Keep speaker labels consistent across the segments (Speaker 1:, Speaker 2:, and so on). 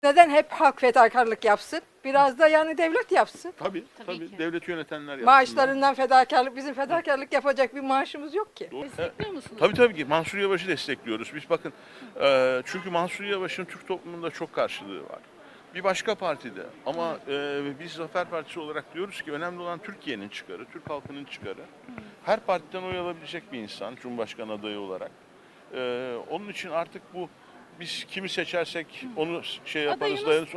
Speaker 1: Neden hep halk fedakarlık yapsın? Biraz da yani devlet yapsın.
Speaker 2: Tabii,
Speaker 3: Tabii ki.
Speaker 2: devleti yönetenler yapsınlar.
Speaker 1: Maaşlarından fedakarlık, bizim fedakarlık yapacak bir maaşımız yok ki.
Speaker 2: Doğru.
Speaker 3: Destekliyor musunuz?
Speaker 2: Tabii ki Mansur Yavaş'ı destekliyoruz. Biz bakın çünkü Mansur Yavaş'ın Türk toplumunda çok karşılığı var. Bir başka partide ama biz Zafer Partisi olarak diyoruz ki önemli olan Türkiye'nin çıkarı, Türk halkının çıkarı. Her partiden oy alabilecek bir insan Cumhurbaşkanı adayı olarak. Onun için artık bu biz kimi seçersek onu şey yaparız,
Speaker 3: Adayımız-
Speaker 2: dayanırız.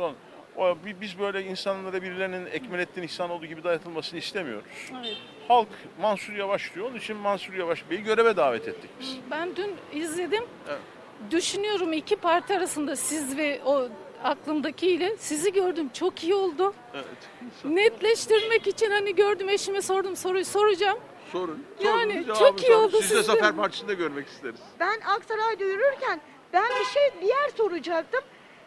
Speaker 2: Biz böyle insanlara birilerinin Ekmelettin İhsanoğlu gibi dayatılmasını istemiyoruz.
Speaker 3: Evet.
Speaker 2: Halk Mansur Yavaş diyor. Onun için Mansur Yavaş Bey'i göreve davet ettik biz.
Speaker 3: Ben dün izledim.
Speaker 2: Evet.
Speaker 3: Düşünüyorum iki parti arasında siz ve o aklımdakiyle sizi gördüm. Çok iyi oldu.
Speaker 2: Evet.
Speaker 3: Netleştirmek için hani gördüm eşime sordum soruyu soracağım.
Speaker 2: Sorun.
Speaker 3: Yani
Speaker 2: Sorun,
Speaker 3: çok iyi oldu
Speaker 2: Siz de
Speaker 3: sizin.
Speaker 2: Zafer Partisi'nde görmek isteriz.
Speaker 4: Ben Aksaray'da yürürken ben bir yer soracaktım.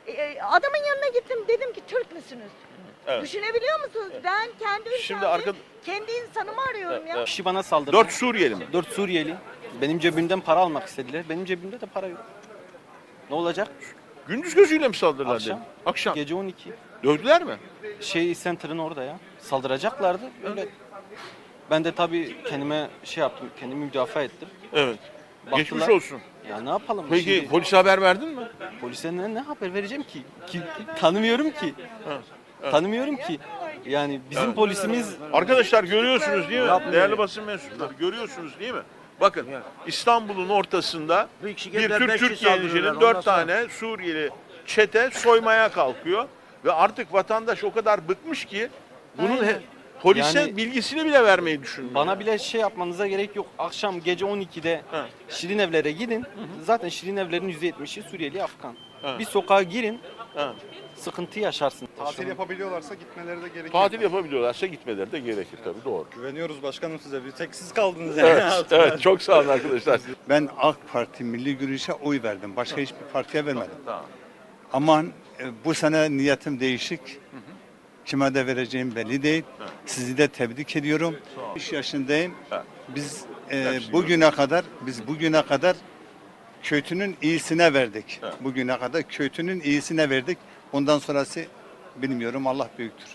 Speaker 4: Adamın yanına gittim, dedim ki Türk müsünüz?
Speaker 2: Evet.
Speaker 4: Düşünebiliyor musunuz? Ben kendi
Speaker 2: Şimdi
Speaker 4: ülkemde kendi insanımı arıyorum ya.
Speaker 5: Kişi bana saldırdı.
Speaker 2: 4 Suriyeli mi?
Speaker 5: 4 Suriyeli. Benim cebimden para almak istediler. Benim cebimde de para yok. Ne olacak?
Speaker 2: Gündüz gözüyle mi saldırdılar?
Speaker 5: Akşam.
Speaker 2: dedim? Akşam.
Speaker 5: Gece 12.
Speaker 2: Dövdüler mi?
Speaker 5: Center'ın orada ya. Saldıracaklardı. Öyle. Ben de tabii kendime şey yaptım. Kendimi müdafaa ettim.
Speaker 2: Evet.
Speaker 5: Baktılar.
Speaker 2: Geçmiş olsun.
Speaker 5: Ya ne yapalım?
Speaker 2: Peki
Speaker 5: Şimdi
Speaker 2: polise haber verdin mi?
Speaker 5: polise ne haber vereceğim ki? Tanımıyorum ki. Tanımıyorum ki. Yani bizim polisimiz
Speaker 2: Arkadaşlar görüyorsunuz değil mi? Değerli basın mensupları görüyorsunuz değil mi? Bakın İstanbul'un ortasında bir Türk yenicinin 4 tane Suriyeli çete soymaya kalkıyor. Ve artık vatandaş o kadar bıkmış ki bunun
Speaker 5: Aynen.
Speaker 2: polise
Speaker 5: Yani-
Speaker 2: bilgisini bile vermeyi düşünmüyor.
Speaker 5: bana bile şey yapmanıza gerek yok. Akşam gece 12'de
Speaker 2: Ha.
Speaker 5: Şirin Evler'e gidin. Zaten Şirin Evler'in %70'i Suriyeli, Afgan.
Speaker 2: Ha.
Speaker 5: Bir sokağa girin,
Speaker 2: Ha.
Speaker 5: sıkıntı yaşarsın.
Speaker 6: Tatil yapabiliyorlarsa gitmeleri de gerekiyor.
Speaker 2: Tatil yapabiliyorlarsa gitmeleri de gerekir tabii doğru.
Speaker 6: Güveniyoruz başkanım size. Bir tek siz kaldınız yani.
Speaker 2: Evet, evet çok sağ olun arkadaşlar.
Speaker 7: Ben AK Parti Milli Görüş'e oy verdim. Başka hiçbir partiye vermedim.
Speaker 2: Tamam.
Speaker 7: Ama bu sene niyetim değişik. Kime de vereceğim belli değil. Sizi de tebrik ediyorum. 5 yaşındayım.
Speaker 2: Evet.
Speaker 7: Biz
Speaker 2: Hepsi
Speaker 7: bugüne kadar kötünün iyisine verdik.
Speaker 2: Evet.
Speaker 7: Bugüne kadar kötünün iyisine verdik. Ondan sonrası bilmiyorum, Allah büyüktür.